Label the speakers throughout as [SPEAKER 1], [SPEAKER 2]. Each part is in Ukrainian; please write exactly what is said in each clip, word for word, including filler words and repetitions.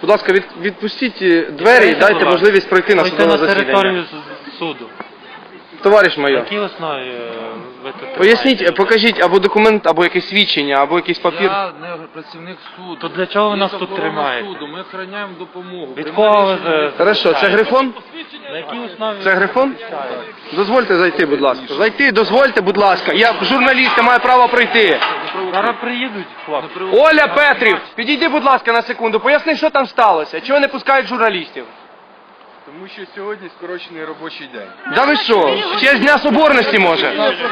[SPEAKER 1] Будь ласка, від, відпустіть двері і дайте можливість пройти на судове засідання.
[SPEAKER 2] на територію суду.
[SPEAKER 1] Товариш майор.
[SPEAKER 2] Які основі ви тут?
[SPEAKER 1] Поясніть, покажіть або документ, або якесь свідчення, або якийсь папір.
[SPEAKER 3] Я не працівник суду.
[SPEAKER 2] То для чого ви нас
[SPEAKER 3] Є
[SPEAKER 2] тут
[SPEAKER 3] охорона
[SPEAKER 2] тримаєте?
[SPEAKER 3] суду, ми охороняємо допомогу.
[SPEAKER 2] Від кого ви... е,
[SPEAKER 1] Хорошо, це Грифон?
[SPEAKER 2] На якій основі?
[SPEAKER 1] Це Грифон? Дозвольте зайти, будь ласка. Зайти, дозвольте, будь ласка. Я журналіст, я маю право пройти.
[SPEAKER 2] Зараз приїдуть хлопці.
[SPEAKER 1] Оля Петрів, підійди, будь ласка, на секунду. Поясни, що там сталося. Чого не пускають журналістів?
[SPEAKER 3] Тому що сьогодні скорочений робочий день.
[SPEAKER 1] Да ви що? Ще з Дня Соборності, може?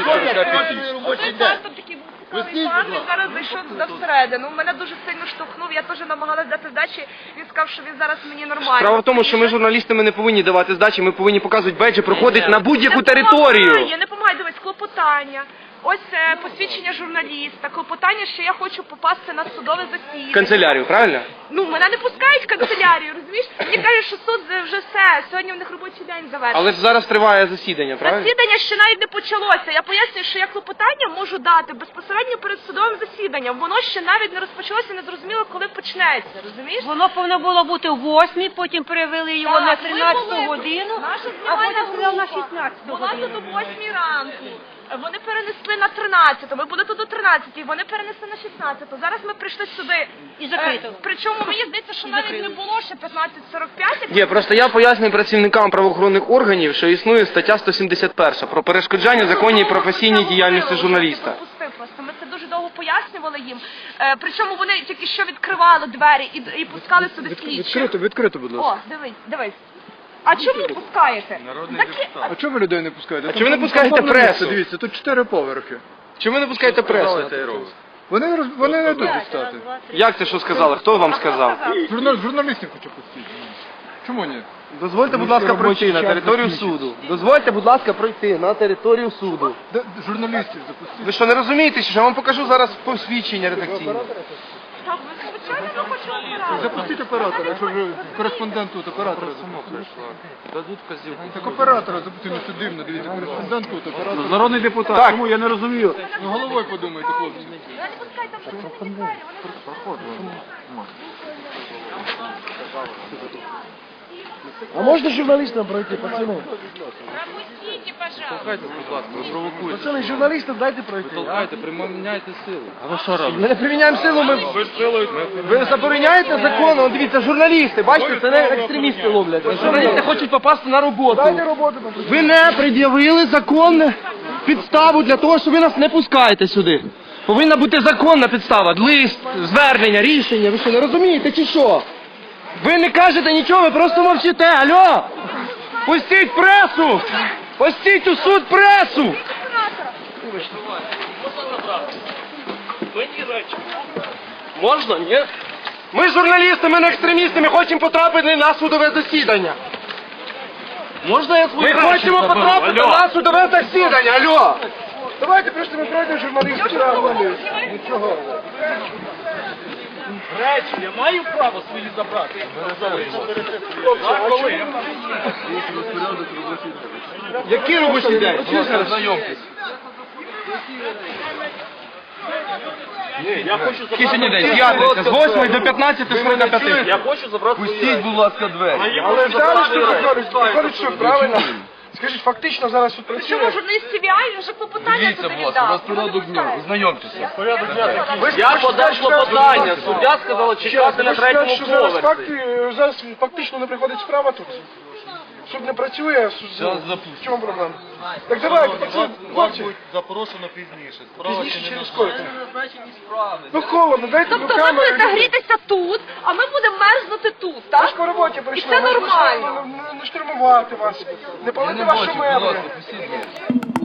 [SPEAKER 4] Він зараз зайшов туди всередину. Мене дуже сильно штовхнув, я теж намагалась дати здачі. Він сказав, що він зараз мені нормально.
[SPEAKER 1] Справа в тому, що ми журналістами не повинні давати здачі, ми повинні показувати беджі, проходить на будь-яку
[SPEAKER 4] Не
[SPEAKER 1] територію.
[SPEAKER 4] помагає, не помагає, дивись, клопотання. Ось е, посвідчення журналіста, клопотання, що я хочу попасти на судове засідання.
[SPEAKER 1] Канцелярію, правильно?
[SPEAKER 4] Ну, мене не пускають в канцелярію, розумієш? Мені кажуть, що суд вже все, сьогодні в них робочий день завершений.
[SPEAKER 1] Але ж зараз триває засідання, правильно?
[SPEAKER 4] Засідання ще навіть не почалося. Я пояснюю, що я клопотання можу дати безпосередньо перед судовим засіданням. Воно ще навіть не розпочалося, не зрозуміло, коли почнеться, розумієш?
[SPEAKER 5] Воно повинно було бути о восьмій, потім перевели його
[SPEAKER 4] Так,
[SPEAKER 5] на
[SPEAKER 4] ми
[SPEAKER 5] тринадцяту
[SPEAKER 4] були-
[SPEAKER 5] годину,
[SPEAKER 4] наша
[SPEAKER 5] а
[SPEAKER 4] знімальна
[SPEAKER 5] потім сказали на
[SPEAKER 4] група
[SPEAKER 5] шістнадцяту
[SPEAKER 4] була
[SPEAKER 5] годину.
[SPEAKER 4] тут о восьмій ранку. Вони перенесли на тринадцяту, ми були тут о тринадцятій, вони перенесли на шістнадцяту. Зараз ми прийшли сюди.
[SPEAKER 5] І закрито.
[SPEAKER 4] Е, Причому мені здається, що
[SPEAKER 5] І
[SPEAKER 4] навіть
[SPEAKER 5] закрили.
[SPEAKER 4] не було ще п'ятнадцять сорок п'ять.
[SPEAKER 1] Є, просто я пояснюю працівникам правоохоронних органів, що існує стаття сто сімдесят перша про перешкоджання законній і професійній діяльності журналіста.
[SPEAKER 4] Пропустив просто. Ми це дуже довго пояснювали їм. Е, причому вони тільки що відкривали двері і, і пускали сюди слідчих.
[SPEAKER 6] Відкрито, відкрито, будь ласка.
[SPEAKER 4] О, дивись, дивись. А чому не пускаєте?
[SPEAKER 3] Народний
[SPEAKER 4] Такі-
[SPEAKER 3] депутат.
[SPEAKER 6] А чого ви людей не пускаєте?
[SPEAKER 1] А
[SPEAKER 6] Там
[SPEAKER 1] чому ви не
[SPEAKER 6] там
[SPEAKER 1] пускаєте
[SPEAKER 6] повне місце,
[SPEAKER 1] пресу?
[SPEAKER 6] Дивіться, тут чотири поверхи.
[SPEAKER 1] Чому ви не пускаєте пресу?
[SPEAKER 3] Сказали, те й робить.
[SPEAKER 6] Вони, роз- вони не йдуть дістати.
[SPEAKER 1] Як це що сказали? Хто вам сказав?
[SPEAKER 6] Журнал, журналістів хочу пустити. Чому ні?
[SPEAKER 1] Дозвольте, будь ласка, пройти на територію суду. Дозвольте, будь ласка, пройти на територію суду.
[SPEAKER 6] Де, журналістів запустити.
[SPEAKER 1] Ви що, не розумієте, що я вам покажу зараз посвідчення редакційне?
[SPEAKER 4] Так, ми звичайно не хочемо обирати.
[SPEAKER 6] Запустіть оператора, якщо вже кореспондент тут, оператора запустити.
[SPEAKER 3] Дадуть вказівку.
[SPEAKER 6] Так оператора запустити, ну це дивно, дивіться, кореспондент тут, оператор.
[SPEAKER 1] Народний депутат. Так. Чому? Я не розумію.
[SPEAKER 6] Ну головою подумайте, хлопці.
[SPEAKER 4] Ви не пускайте в закриті двері, вони
[SPEAKER 7] А можно журналистам пройти, пацаны?
[SPEAKER 3] Толкайте, будь ласка, ви провокуєте.
[SPEAKER 7] Пацаны, журналистам дайте пройти.
[SPEAKER 3] Толкайте, приміняйте силу.
[SPEAKER 2] А ви що робите?
[SPEAKER 1] Ми не приміняємо силу, ми... Ви забороняєте закон? От дивіться, журналісти, бачите, це не екстремісти ловлять. Журналісти хочуть попасти на роботу.
[SPEAKER 7] Дайте роботу.
[SPEAKER 1] Ви не пред'явили законну підставу для того, що ви нас не пускаєте сюди. Повинна бути законна підстава, лист, звернення, рішення. Ви що, не розумієте чи що? Ви не кажете нічого, ви просто мовчите. Алло! Пустіть пресу! Пустіть у суд пресу! Можна? Ні? Ми журналісти, ми не екстремісти, ми хочемо потрапити на судове засідання. Можна я свої Ми хочемо потрапити на судове засідання, алло!
[SPEAKER 7] Давайте просто ми пройдемо журналістів. Нічого.
[SPEAKER 2] Речі, я маю право свої забрати.
[SPEAKER 1] Який робочий день?
[SPEAKER 3] Знайомтесь.
[SPEAKER 1] Який сьогодні день? П'ятниця, з восьмої до п'ятнадцяти, з на п'яти.
[SPEAKER 2] Я хочу забрати
[SPEAKER 3] Пустіть, будь ласка, двері.
[SPEAKER 7] Але зараз що виходить? Виходить, що правильно? Скажіть, фактично зараз тут
[SPEAKER 4] Причому
[SPEAKER 7] працює.
[SPEAKER 4] журналіст Сі Ві Ай, він вже клопотання
[SPEAKER 3] Дивіться,
[SPEAKER 4] туди
[SPEAKER 3] будь ласка, у
[SPEAKER 4] віддав.
[SPEAKER 3] вас порядок дня. Знайомтеся.
[SPEAKER 2] Я подав клопотання, суддя сказала чекати на
[SPEAKER 7] Ви скажете,
[SPEAKER 2] третьому
[SPEAKER 7] що зараз,
[SPEAKER 2] поверсі.
[SPEAKER 7] факти, зараз фактично не приходить справа тут. Суд не працює, суд...
[SPEAKER 3] Зараз
[SPEAKER 7] в
[SPEAKER 3] запустимо.
[SPEAKER 7] чому проблема? Так давайте, пацан, хлопці,
[SPEAKER 3] Запрошено пізніше.
[SPEAKER 7] пізніше через сколько? Ну холодно, дайте
[SPEAKER 4] Тобто ви
[SPEAKER 7] руками.
[SPEAKER 4] будете грітися тут, а ми будемо мерзнути тут,
[SPEAKER 7] Ми ж
[SPEAKER 4] так?
[SPEAKER 7] по роботі
[SPEAKER 4] І
[SPEAKER 7] прийшли.
[SPEAKER 4] це
[SPEAKER 7] ми
[SPEAKER 4] нормально.
[SPEAKER 7] прийшли Не, не штурмувати вас, не палити ваші
[SPEAKER 3] Будь
[SPEAKER 7] меблі.
[SPEAKER 3] ласка, пустіть двері.